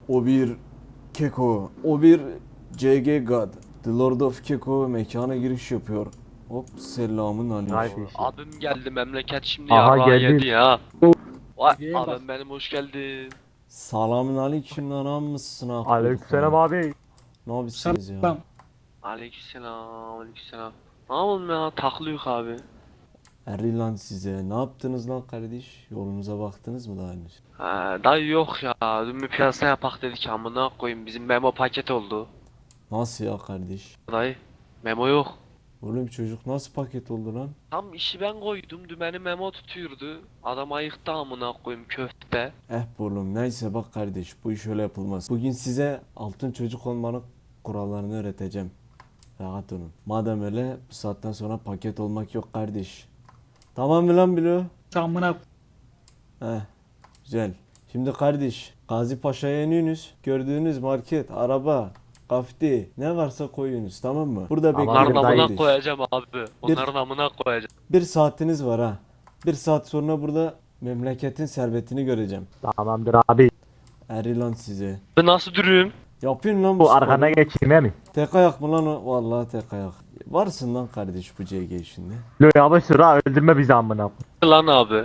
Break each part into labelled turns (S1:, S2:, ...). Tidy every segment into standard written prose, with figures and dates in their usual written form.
S1: O bir Keko, o bir CG God. The Lord of Keko mekana giriş yapıyor. Hop selamun aleyküm.
S2: Kardeşim.
S3: Abim geldi memleket şimdi
S2: Aha
S3: yarrağı
S2: geldi.
S3: yedi ya. Vay
S4: Gel bak.
S3: abim benim hoş geldin.
S1: Selamun aleyküm lan mısın akıllık
S2: Aleykümselam
S1: lan.
S2: abi.
S1: Ne yapıyorsunuz ya?
S4: Selam.
S3: Aleykümselam aleykümselam. Ne yapalım ya taklıyık abi.
S1: Eri lan size. Ne yaptınız lan kardeş? Yolunuza baktınız mı daha henüz?
S3: Dayı yok ya dün bir piyasa yapak dedik amına koyayım bizim memo paket oldu.
S1: Nasıl ya kardeş?
S3: Dayı memo yok.
S1: Oğlum çocuk nasıl paket oldu lan?
S3: Tam işi ben koydum dümeni memo tutuyordu. Adam ayıktı amına koyayım köfte.
S1: Oğlum neyse bak kardeş bu iş öyle yapılmaz. Bugün size altın çocuk olmanın kurallarını öğreteceğim. Rahat olun. Madem öyle bu saatten sonra paket olmak yok kardeş. Tamam mı lan Bilo?
S4: Samına
S1: Heh, güzel. Şimdi kardeş, Gazi Paşa'ya iniyorsunuz. Gördüğünüz market, araba, kafti, ne varsa koyuyorsunuz, tamam mı? Burada
S2: Tamam,
S1: bekleyin
S3: Onların
S2: dayı.
S3: amına
S1: kardeş.
S3: koyacağım abi. Onların amına koyacağım.
S1: Bir saatiniz var ha. Bir saat sonra burada memleketin servetini göreceğim.
S2: Tamamdır abi.
S1: Eri lan size.
S3: Ben nasıl durayım?
S1: Yapın lan
S2: Bu
S1: sporu.
S2: arkana geçeyim he mi?
S1: Tek ayak mı lan o? Vallahi tek ayak. Varsın lan kardeş bu CG işinde.
S2: Lo yavaş sür ha öldürme bizi amına.
S3: Lan abi.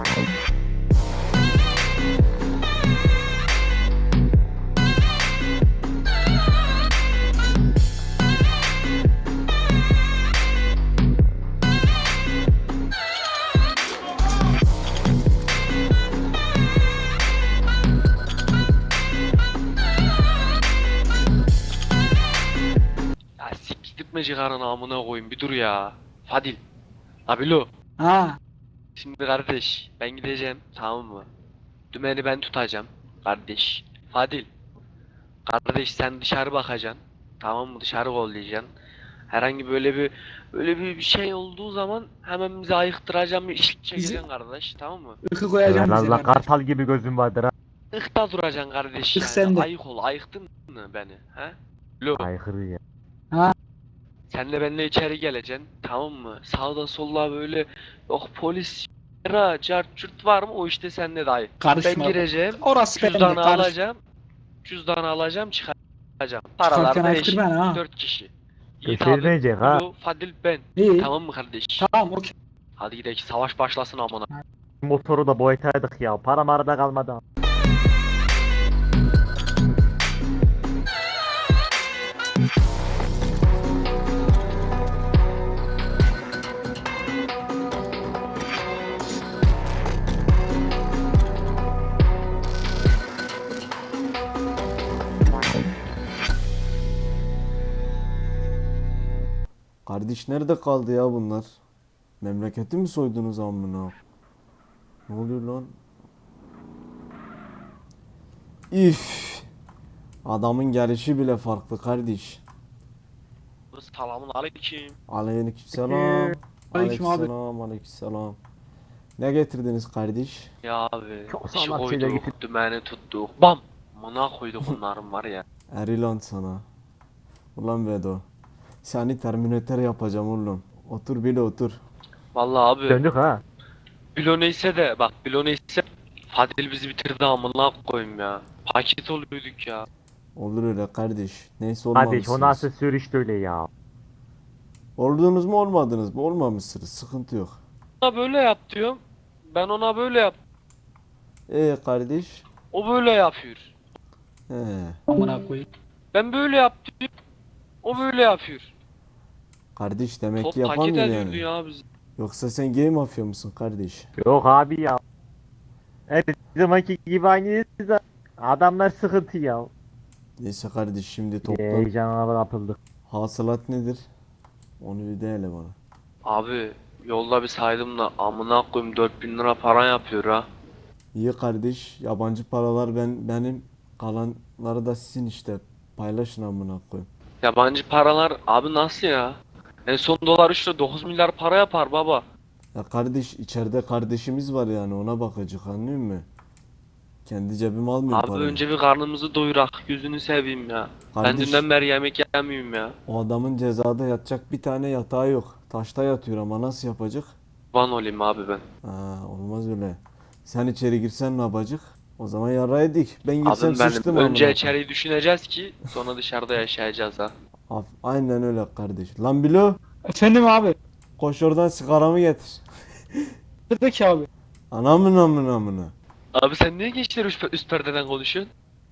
S3: Ya siktirtme cigarını amına koyayım bir dur ya. Fadil. Abilo.
S4: ha
S3: Şimdi kardeş ben gideceğim tamam mı? Dümeni ben tutacağım kardeş. Fadil. Kardeş sen dışarı bakacaksın. Tamam mı? Dışarı kollayacaksın. Herhangi böyle bir şey olduğu zaman hemen bizi ayıktıracağım bir iş çekeceksin kardeş tamam mı?
S4: ıkı koyacağım
S2: Ben
S4: bize.
S2: Allah kartal gibi gözüm vardır ha.
S3: Ikta duracaksın kardeş
S4: Ih,
S3: yani.
S4: sen de.
S3: Ayık ol. Ayıktın mı beni? He? Lo.
S2: Aykırı ya.
S3: Senle benimle içeri geleceksin. Tamam mı? Sağda solda böyle yok polis ra cart cürt var mı? O işte sende dayı.
S4: Karışma.
S3: Ben gireceğim.
S4: Orası bende.
S3: Cüzdanı
S4: Karış.
S3: alacağım. Cüzdanı alacağım çıkaracağım.
S4: Çıkarken
S3: Paralar da
S4: ayıktır
S3: eşit.
S4: ben ha.
S3: 4 kişi. Yiğit
S2: Götürmeyecek
S3: abi.
S2: ha.
S3: Lo, Fadil ben.
S4: İyi.
S3: Tamam mı kardeş?
S4: Tamam okey.
S3: Hadi gidelim savaş başlasın amına.
S2: Motoru da boyataydık ya. Param arada kalmadı. ha.
S1: Kardeş nerede kaldı ya bunlar? Memleketi mi soydunuz amına? Ne oluyor lan? İf. Adamın gelişi bile farklı kardeş.
S3: Selamun aleyküm.
S1: Aleykümselam.
S4: Aleyküm abi.
S1: Aleykümselam. Aleykümselam. Ne getirdiniz kardeş?
S3: Ya abi.
S2: Çok
S3: işi
S2: sağlam şeyler
S3: koyduk. Dümeni tuttuk. Bam. Amına koyduk onların var ya.
S1: Erilan sana. Ulan Vedo. Seni Terminator yapacağım oğlum. Otur bile otur.
S3: Vallahi abi.
S2: Döndük ha.
S3: Bilo neyse de bak Bilo neyse Fadil bizi bitirdi amına koyayım ya. Paket oluyorduk ya.
S1: Olur öyle kardeş. Neyse
S2: Kardeş
S1: olmamışsınız.
S2: o nasıl sürüş öyle ya.
S1: Oldunuz mu olmadınız mı? Olmamışsınız. Sıkıntı yok.
S3: Ona böyle yap diyorum. Ben ona böyle yap.
S1: Kardeş.
S3: O böyle yapıyor.
S1: He.
S4: Amına koyayım.
S3: Ben böyle yap diyorum. O böyle yapıyor.
S1: Kardeş demek
S3: Top
S1: ki
S3: paket
S1: yapamıyor
S3: ediyordu
S1: yani.
S3: ya bizi.
S1: Yoksa sen game mafya mısın kardeş?
S2: Yok abi ya. Her zamanki gibi aynıyız da. Adamlar sıkıntı ya.
S1: Neyse kardeş şimdi toplan.
S2: Heyecana kapıldık.
S1: Hasılat nedir? Onu bir de hele bana.
S3: Abi yolda bir saydım da amına koyayım 4000 lira para yapıyor ha.
S1: İyi kardeş. Yabancı paralar benim. Kalanları da sizin işte. Paylaşın amına koyayım.
S3: Yabancı paralar abi nasıl ya? En son dolar 3 lira 9 milyar para yapar baba.
S1: Ya kardeş içeride kardeşimiz var yani ona bakacak anlıyor musun? Kendi cebime almıyorum
S3: Abi
S1: parayı.
S3: önce bir karnımızı doyurak yüzünü seveyim ya. Ben
S1: Kardeş
S3: dünden beri yemek yemiyorum ya.
S1: o adamın cezada yatacak bir tane yatağı yok. Taşta yatıyor ama nasıl yapacak?
S3: Van olayım abi ben.
S1: Olmaz öyle. Sen içeri girsen ne yapacak? O zaman yarraydık. Ben gitsem
S3: Abim benim.
S1: sıçtım
S3: Önce
S1: amına koyayım.
S3: içeriği düşüneceğiz ki sonra dışarıda yaşayacağız ha.
S1: Aynen öyle kardeş. Lan Bilo,
S4: Efendim abi.
S1: koş oradan sigaramı getir.
S4: Buradaki abi.
S1: Anamın amına amına.
S3: Abi sen niye gençler üst perdeden konuşuyorsun?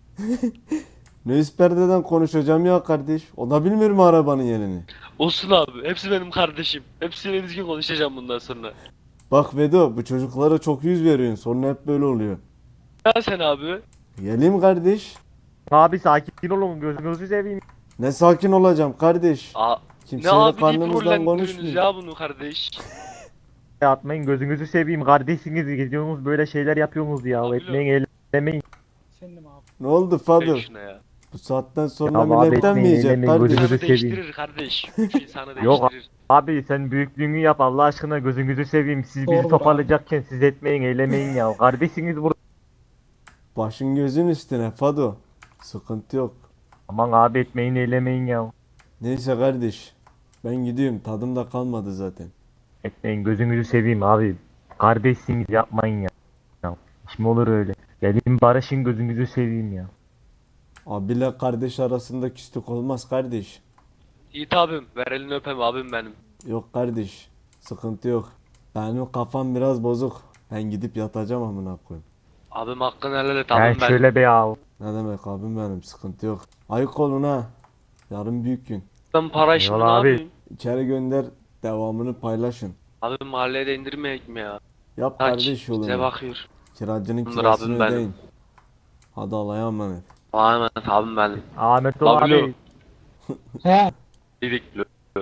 S1: Ne üst perdeden konuşacağım ya kardeş. O da bilmiyor mu arabanın yerini?
S3: Olsun abi. Hepsi benim kardeşim. Hepsiyle düzgün konuşacağım bundan sonra.
S1: Bak Vedo, bu çocuklara çok yüz veriyorsun. Sonra hep böyle oluyor.
S3: Ya sen abi.
S1: Geleyim kardeş.
S2: Abi sakin olun gözünüzü seveyim.
S1: Ne sakin olacağım kardeş.
S3: Ne
S1: Kimseyle
S3: abi deyip
S1: karnımızdan
S3: rollendiriyorsunuz
S1: konuşmayın.
S3: ya bunu kardeş.
S2: Atmayın gözünüzü seveyim. Kardeşsiniz gidiyorsunuz böyle şeyler yapıyorsunuz ya.
S3: Abi
S2: Etmeyin eylemeyin.
S4: Efendim abi.
S1: Ne oldu
S3: Ver
S1: Fadıl?
S3: şuna ya.
S1: Bu saatten sonra
S2: Ya abi
S1: milletten mi
S2: etmeyin,
S1: yiyecek
S2: eylemeyin,
S1: kardeş?
S2: gözünüzü
S3: İnsanı
S2: seveyim.
S3: değiştirir kardeş. Üç insanı
S2: Yok
S3: değiştirir.
S2: Abi sen büyüklüğünü yap Allah aşkına gözünüzü seveyim. Siz bizi
S4: Doğru
S2: toparlayacakken siz etmeyin eylemeyin ya. Kardeşsiniz burada.
S1: Başın gözün üstüne Fado. Sıkıntı yok.
S2: Aman abi etmeyin eylemeyin ya.
S1: Neyse kardeş. Ben gidiyorum. Tadım da kalmadı zaten.
S2: Etmeyin gözünüzü seveyim abi. Kardeşsiniz yapmayın ya. Ya iş mi olur öyle? Gelin barışın gözünüzü seveyim ya.
S1: Abiyle kardeş arasında küslük olmaz kardeş.
S3: Yiğit abim. Ver elini öpem abim benim.
S1: Yok kardeş. Sıkıntı yok. Benim kafam biraz bozuk. Ben gidip yatacağım amına koyayım.
S3: Abim hakkını helal et
S2: Yani
S3: abim benim.
S2: şöyle be ya.
S1: Ne demek abim benim, sıkıntı yok. Ayık olun ha. Yarın büyük gün.
S3: Ben para işimi ne
S2: Eyvallah abi.
S3: yapayım?
S1: İçeri gönder, devamını paylaşın.
S3: Abi mahalleye de indirmeyek mi ya?
S1: Yap
S3: Kaç
S1: kardeş
S3: bize
S1: yolunu.
S3: bakıyor.
S1: Kiracının
S3: Bunlar
S1: kirasını
S3: abim benim.
S1: ödeyin. Hadi Allah'a emanet.
S3: Allah'a emanet abim benim.
S2: Ahmet ol
S3: Bablu.
S2: abi.
S4: He.
S3: Didikli.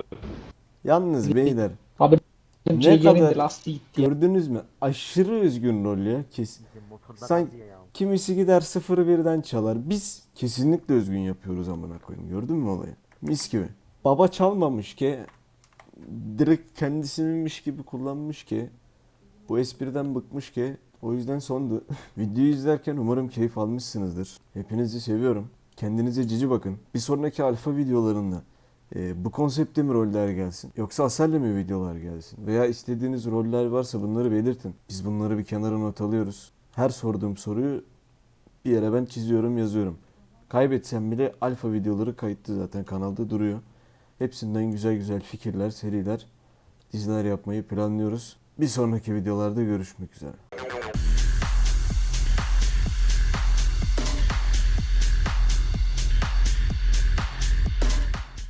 S1: Yalnız beyler,
S4: Abi
S1: Ne
S4: şey
S1: kadar-
S4: yerinde lastiği gitti ya.
S1: gördünüz mü? Aşırı üzgün rol ya. Sen kimisi gider 0-1'den çalar. Biz kesinlikle özgün yapıyoruz amına koyayım. Gördün mü olayı? Mis gibi. Baba çalmamış ki, direkt kendisininmiş gibi kullanmış ki, bu espriden bıkmış ki, o yüzden sondu. Videoyu izlerken umarım keyif almışsınızdır. Hepinizi seviyorum. Kendinize cici bakın. Bir sonraki alfa videolarında bu konsepte mi roller gelsin? Yoksa Asel'le mi videolar gelsin? Veya istediğiniz roller varsa bunları belirtin. Biz bunları bir kenara not alıyoruz. Her sorduğum soruyu bir yere ben çiziyorum, yazıyorum. Kaybetsem bile alfa videoları kayıtlı zaten kanalda duruyor. Hepsinden güzel güzel fikirler, seriler, diziler yapmayı planlıyoruz. Bir sonraki videolarda görüşmek üzere.